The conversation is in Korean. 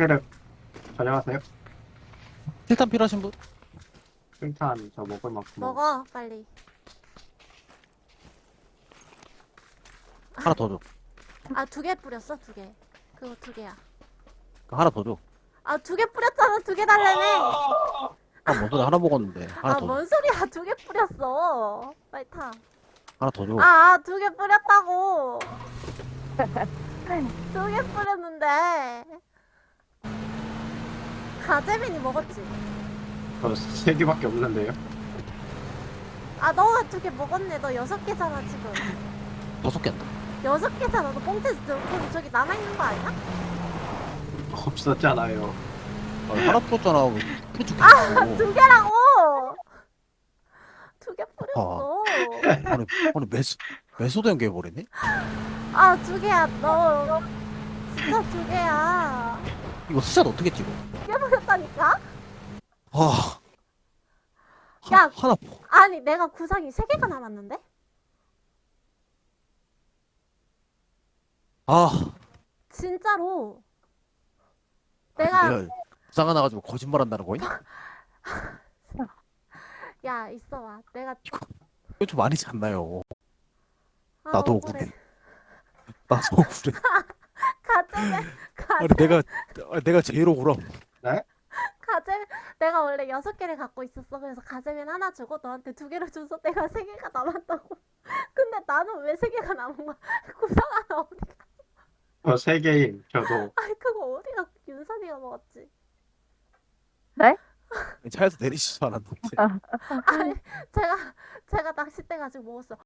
혈액 전혀하세요? 실탄 필요하신 분? 일단 저 먹을 만큼 먹어 빨리. 하나 더 줘. 아 2개 뿌렸어 2개. 그거 2개야. 하나 더 줘. 아 2개 뿌렸잖아 2개 달래네. 뭔 소리 하나 먹었는데. 하나 더 줘. 뭔 소리야 2개 뿌렸어. 빨리 타. 하나 더 줘. 2개 뿌렸다고. 2개 뿌렸는데. 가재민이 먹었지. 저 3개밖에 없는데요? 너가 2개 먹었네. 너 6개잖아 지금. 5개 한다. 6개잖아. 너 뽕태 그럼 저기 남아있는 거 아니야? 없었잖아요. 하나 풀었잖아. 왜 풀어 죽겠어. 2개라고. 2개 뿌렸어. 아니 매소도 연결해버리네? 2개야 너. 진짜 2개야. 이거 숫자 어떻게 찍어? 2개 뿌렸다니까? 아. 야. 하나. 아니 내가 구상이 3개가 남았는데? 아. 진짜로. 내가 부상 하나 가지고 거짓말 한다는 거니? 야 있어봐. 내가 이거 좀 아니지 않나요? 아, 나도 억울해. 억울해. 나도 억울해. 가재민 아니 내가 제일 억울함. 가재민 내가 원래 6개를 갖고 있었어. 그래서 가재민 하나 주고 너한테 2개를 줘서 내가 3개가 남았다고. 근데 나는 왜 3개가 남은 거야? 구상 하나 어디가? 저 3개임. 저도. 아니 그거 어디가? 윤선이가 먹었지. 차에서 내리지도 않았는데. 아니 제가 낚싯대 가지고 먹었어.